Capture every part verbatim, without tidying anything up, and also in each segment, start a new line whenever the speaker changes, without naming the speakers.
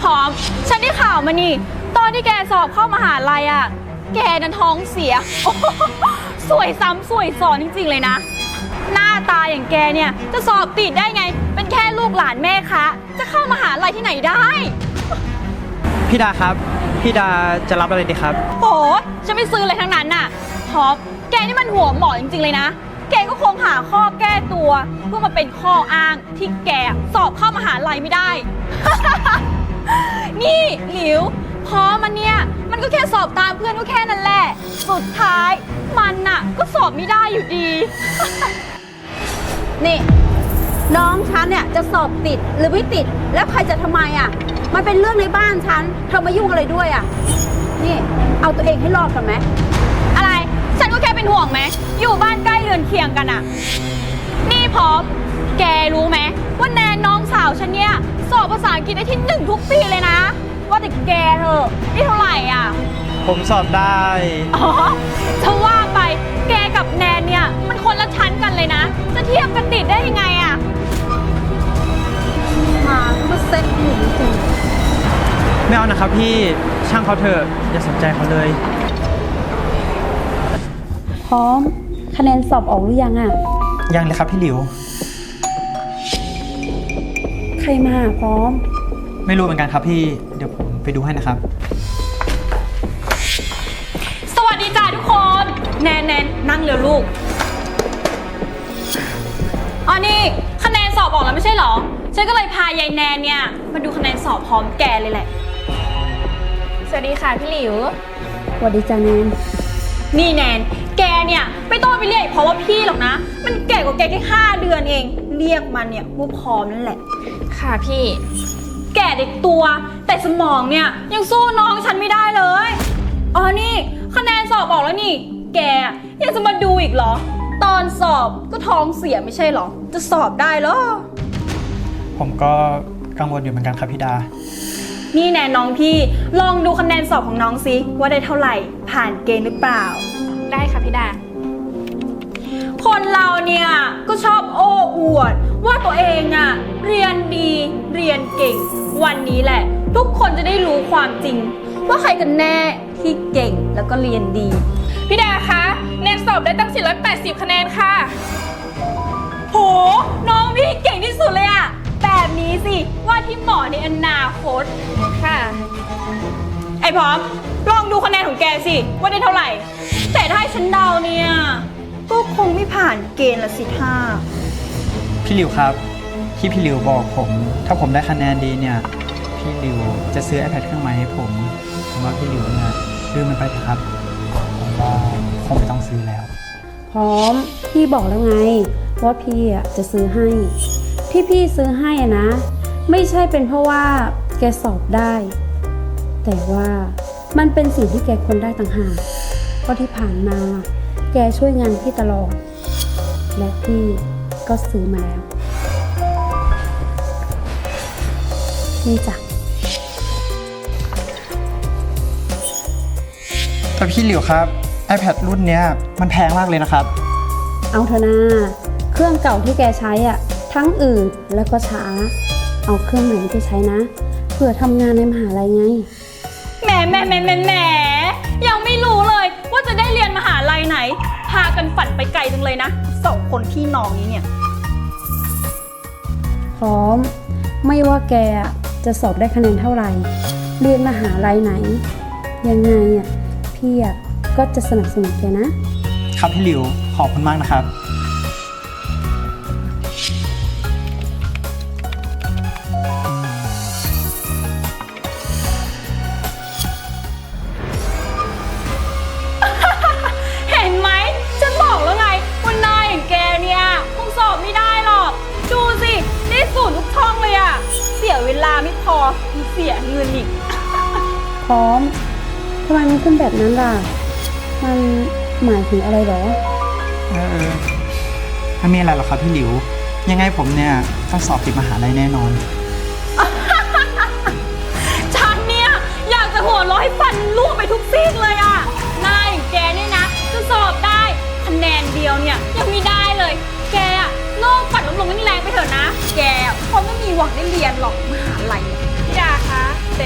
พร้อมฉันได้ข่าวมานี่ตอนที่แกสอบเข้ามหาลัยอ่ะแกนั้นท้องเสียโอ้โหสวยซ้ำสวยซ้อนจริงๆเลยนะหน้าตาอย่างแกเนี่ยจะสอบติดได้ไงเป็นแค่ลูกหลานแม่คะจะเข้ามหาลัยที่ไหนได้
พี่ดาครับพี่ดาจะรับอะไรดีครับ
โหฉันไม่ซื้อเลยทั้งนั้นน่ะท็อปแกนี่มันหัวหมอจริงๆเลยนะแกก็คงหาข้อแก้ตัวเพื่อมาเป็นข้ออ้างที่แกสอบเข้ามหาลัยไม่ได้ นี่หลิวพอมันเนี่ยมันก็แค่สอบตามเพื่อนก็แค่นั้นแหละสุดท้ายมันน่ะก็สอบไม่ได้อยู่ดี
นี่น้องฉันเนี่ยจะสอบติดหรือไม่ติดแล้วใครจะทำไมอ่ะมันเป็นเรื่องในบ้านฉันเธอมายุ่งอะไรด้วยอ่ะนี่เอาตัวเองให้รอดกันไหม
อะไรฉันก็แค่เป็นห่วงไหมอยู่บ้านใกล้เรือนเคียงกันอะนี่พร้อมแกรู้ไหมว่าแนนน้องสาวฉันเนี่ยสอบภาษาอังกฤษได้ที่หนึ่งทุกปีเลยนะว่าแต่แกเธอได้เท่าไหร่อ่ะ
ผมสอบได้
อ๋อถ้าว่าไปแกกับแนนเนี่ยมันคนละชั้นกันเลยนะจะเทียบกันติดได้ยังไงอ่ะ
มาก็เซ็ตหนูจริง
ไม่เอานะครับพี่ช่างเขาเถอะอย่าสนใจเขาเลย
พร้อมคะแนนสอบออกหรือยังอ่ะ
ยังเลยครับพี่หลิว
ใครมาพร้อม
ไม่รู้เหมือนกันครับพี่เดี๋ยวผมไปดูให้นะครับ
สวัสดีจ้าทุกคนแนนแนนนั่งเร็วลูกอ๋อนี่คะแนนสอบออกแล้วไม่ใช่หรอฉันก็เลยพายายแนนเนี่ยมาดูคะแนนสอบพร้อมแกเลยแหละสวัสดีค่ะพี่หลิว
สวัสดีจ้าแนน
นี่แนนแกเนี่ยไม่ต้องไปเรียกเพราะว่าพี่หรอกนะมันแก่กว่าแกแค่ห้าเดือนเองเรียกมันเนี่ยว่าพร้อมนั่นแหละค่ะพี่แก่เด็กตัวแต่สมองเนี่ยยังสู้น้องฉันไม่ได้เลยอ๋อนี่คะแนนสอบออกแล้วนี่แกยังจะมาดูอีกเหรอตอนสอบก็ท้องเสียไม่ใช่เหรอจะสอบได้เหรอ
ผมก็กังวลอยู่เหมือนกันครับพี่ดา
นี่แนนน้องพี่ลองดูคะแนนสอบของน้องซิว่าได้เท่าไหร่ผ่านเกณฑ์หรือเปล่าได้ค่ะพี่ดาคนเราเนี่ยก็ชอบโอ้อวดว่าตัวเองอะเรียนดีเรียนเก่งวันนี้แหละทุกคนจะได้รู้ความจริงว่าใครกันแน่ที่เก่งแล้วก็เรียนดีพี่ดาคะแนนสอบได้ตั้งสี่ร้อยแปดสิบคะแนนค่ะโหน้องพี่เก่งที่สุดเลยอะแบบนี้สิว่าที่หมอในอนาคตค่ะไอ้พร้อมลองดูคะแนนของแกสิว่าได้เท่าไหร่แต่ถ้าให้ฉันเดาเนี่ยก็คงไม่ผ่านเกณฑ์ละสิท่า
พี่หลิวครับที่พี่หลิวบอกผมถ้าผมได้คะแนนดีเนี่ยพี่หลิวจะซื้อ iPad เครื่องใหม่ให้ผมผมว่าพี่หลิวเนี่ยซื้อมันไปเถอะครับผมว่าคงไม่ต้องซื้อแล้ว
พร้อมพี่บอกแล้วไงว่าพี่อ่ะจะซื้อให้ที่พี่ซื้อให้อะนะไม่ใช่เป็นเพราะว่าแกสอบได้แต่ว่ามันเป็นสิ่งที่แกควรได้ต่างหากเพราะที่ผ่านมาแกช่วยงานพี่ตลอดและพี่ก็ซื้อมาแล้วนี่จ้ะ
แต่พี่หลิวครับ iPad รุ่นเนี้ยมันแพงมากเลยนะครับ
เอาเถอะนะเครื่องเก่าที่แกใช้อ่ะทั้งอืดแล้วก็ช้าเอาเครื่องใหม่ไปใช้นะเผื่อทำงานในมหาลัยไง
แหมแหมแหมแหมแหมยังไม่รู้เลยว่าจะได้เรียนมหาลัยไหนพากันฝันไปไกลจังเลยนะสองคนพี่น้องนี้เนี่ย
พร้อมไม่ว่าแกจะสอบได้คะแนนเท่าไหร่เรียนมหาลัยไหนยังไงอ่ะพี่อ่ะก็จะสนับสนุนแกนะครับ
พี่หลิวขอบคุณมากนะครับ
เสียเวลาไม่พอมีเสียเงินอีก
พร้อมทำไมมันขึ้นแบบนั้นล่ะมันหมายถึงอะไรหรอ
เออไม่มีอะไรหรอกครับพี่หลิวยังไงผมเนี่ยต้องสอบติดมหาลัยแน่นอน
ฉันเนี่ยอยากจะหัวเราะให้ฟันร่วงไปทุกซีกเลยอ่ะนายแกเนี่ยนะจะสอบได้คะแนนเดียวเนี่ยยังไม่ได้เลยแกอะโลกปัดลมลงแรงไปเถอะนะแกคงไม่มีหวังได้เรียนหรอกมหาลัยพี่ดาคะแต่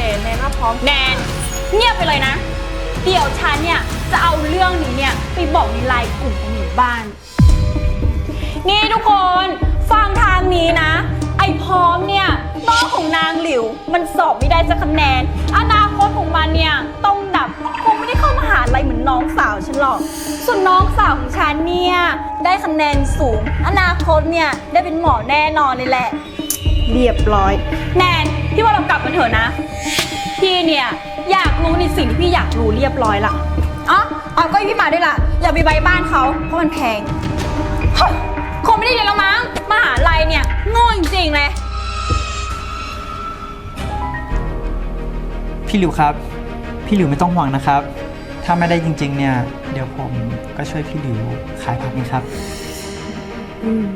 พร้อมแนนเงียบไปเลยนะ เดี๋ยวฉันเนี่ยจะเอาเรื่องนี้เนี่ยไปบอกในไลน์กลุ่มของหมู่บ้าน นี่ทุกคนฟังทางนี้นะ ไอ้พร้อมเนี่ยน้องของนางหลิวมันสอบไม่ได้สักคะแนนอนาคตของมันเนี่ยต้องดับคงไม่ได้เข้ามหาลัยเหมือนน้องสาวฉันหรอกส่วนน้องสาวของฉันเนี่ยได้คะแนนสูงอนาคตเนี่ยได้เป็นหมอแน่นอนเลยแหละเรียบร้อยแนนพี่ว่าเรากลับกันเถอะนะพี่เนี่ยอยากรู้ในสิ่งที่พี่อยากรู้เรียบร้อยละอ๋ออ๋อก็พี่มาด้วยล่ะอย่าไปใบบ้านเขาเพราะมันแพงเฮ้ยคงไม่ได้เรียนแล้วมั้งมหาลัยเนี่ยโง่จริงๆเลย
พี่หลิวครับ พี่หลิวไม่ต้องห่วงนะครับ ถ้าไม่ได้จริงๆเนี่ยเดี๋ยวผมก็ช่วยพี่หลิวขายผักนี่ครับ
อืม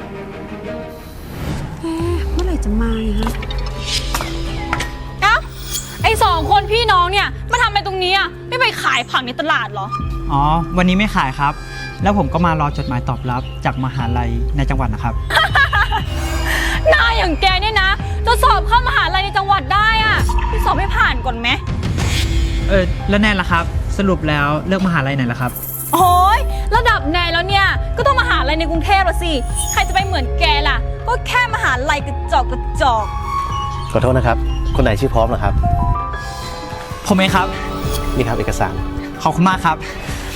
เอ๊ะเมื่อไหร่จะมาเนี่ยฮะ
เอ้าไอสองคนพี่น้องเนี่ยมาทำอะไรตรงนี้อ่ะไม่ไปขายผักในตลาดเหรอ
อ๋อวันนี้ไม่ขายครับ แล้วผมก็มารอจดหมายตอบรับจากมหาลัยในจังหวัดนะครับ
หน้าอย่างแกเนี่ยนะจะสอบเข้ามหาลัยในจังหวัดได้อ่ะพี่สอบให้ผ่านก่อนไหม
เออแล้วแน่ละครับ สรุปแล้วเลือกมหาลัยไหนล่ะครับ
โอ้ยระดับแนนแล้วเนี่ยก็ต้องมหาลัยในกรุงเทพละสิใครจะไปเหมือนแกล่ะก็แค่มหาลัยกระจอกกระจอก
ขอโทษนะครับ คนไหนชื่อพร้อมนะครับ
ผมเองครับ
นี่ครับเอกสาร
ขอบคุณมากครับ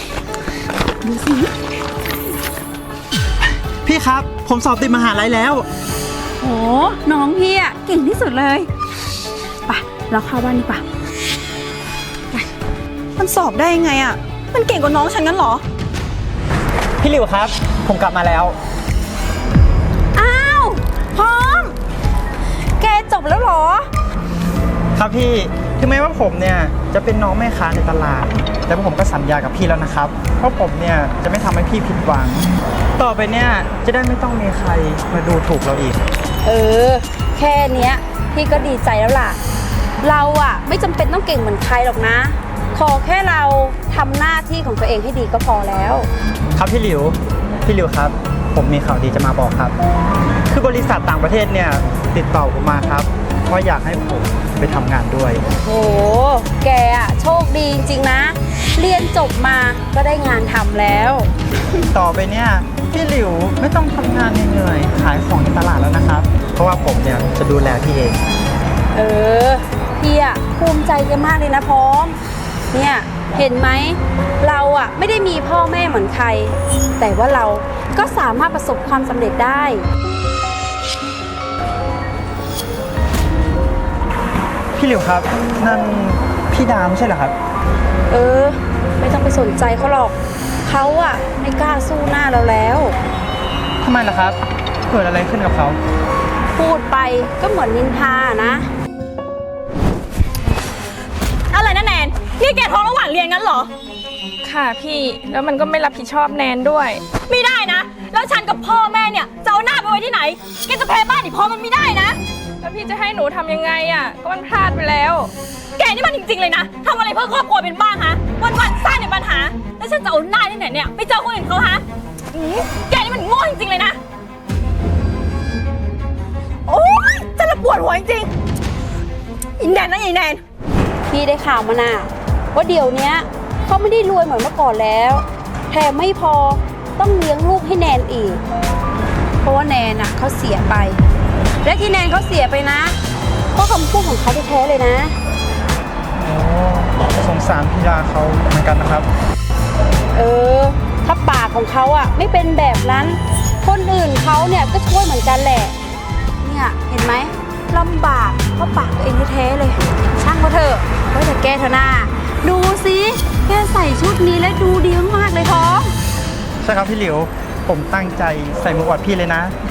พี่ครับผมสอบติดมหาลัยแล้ว
โอ้น้องพี่อะเก่งที่สุดเลยไปเราเข้าบ้านดีกว่า
มันสอบได้ยังไงอ่ะมันเก่งกว่าน้องฉันงั้นเหรอ
พี่หลิวครับ ผมกลับมาแล้ว
อ้าวพร้อม แกจบแล้วเหรอ
ครับพี่ถึงแม้ว่าผมเนี่ยจะเป็นน้องแม่ค้าในตลาด แต่ผมก็สัญญากับพี่แล้วนะครับเพราะผมเนี่ยจะไม่ทำให้พี่ผิดหวัง ต่อไปเนี่ยจะได้ไม่ต้องมีใครมาดูถูกเราอีก
เออ แค่เนี้ยพี่ก็ดีใจแล้วล่ะ เราอะไม่จำเป็นต้องเก่งเหมือนใครหรอกนะ ขอแค่เราทำหน้าที่ของตัวเองให้ดีก็พอแล้ว
ครับพี่หลิว พี่หลิวครับ ผมมีข่าวดีจะมาบอกครับ คือบริษัทต่างประเทศเนี่ยติดต่อผมมาครับว่าอยากให้ผมไปทำงานด้วย
โห แกอะโชคดีจริงๆนะ เรียนจบมาก็ได้งานทำแล้ว
ต่อไปเนี่ยพี่หลิวไม่ต้องทำงานเหนื่อยๆขายของในตลาดแล้วนะครับ เพราะว่าผมเนี่ยจะดูแลพี่เอง
เออ พี่อะภูมิใจแกมากเลยนะพร้อม เนี่ยเห็นไหม เราอะไม่ได้มีพ่อแม่เหมือนใคร แต่ว่าเราก็สามารถประสบความสำเร็จได้
พี่หลิวครับนั่นพี่ดาวไม่ใช่เหรอครับ
เออ ไม่ต้องไปสนใจเขาหรอก เขาอะไม่กล้าสู้หน้าเราแล้ว
ทำไมล่ะครับเกิดอะไรขึ้นกับเขา
พูดไปก็เหมือนนินทานะ
อะไรนะแนนนี่แกท้องระหว่างเรียนงั้นเหรอ
ค่ะพี่แล้วมันก็ไม่รับผิดชอบแนนด้วย
ไม่ได้นะ แล้วฉันกับพ่อแม่เนี่ยจะเอาหน้าไปไว้ที่ไหนแกจะแพ้บ้านอีกพอมันไม่ได้นะ
แล้วพี่จะให้หนูทำยังไงอ่ะก็มันพลาดไปแล้ว
แกนี่มันจริงๆเลยนะทำอะไรเพื่อครอบครัวเป็นบ้างฮะวันๆสร้างแต่ปัญหาแล้วฉันจะเอาหน้าที่ไหนเนี่ยไปเจอคนอื่นเขาฮะอืมแกนี่มันโง่จริงๆเลยนะโอ๊ยฉันละปวดหัวจริงๆอินแนนนะอินแนน
พี่ได้ข่าวมาน่ะว่าเดี๋ยวเนี้ยเขาไม่ได้รวยเหมือนเมื่อก่อนแล้วแถมไม่พอต้องเลี้ยงลูกให้แนนอีก เพราะว่าแนนน่ะเขาเสียไป และที่แนนเขาเสียไปนะก็คำพูดของเขาแท้ๆเลยนะ
โอ้สงสารพี่ดาเขาเหมือนกันนะครับ
เออ ถ้าปากของเขาอ่ะไม่เป็นแบบนั้น คนอื่นเขาเนี่ยก็ช่วยเหมือนกันแหละ เนี่ยเห็นไหมลำบากเพราะปากตัวเองแท้ๆเลย ช่างเขาเถอะไว้แต่แกเถอะนาดูสิแกใส่ชุดนี้แล้วดูดีมากๆเลยท้อง
ใช่ครับพี่หลิว ผมตั้งใจใส่หมวกอวดพี่เลยนะ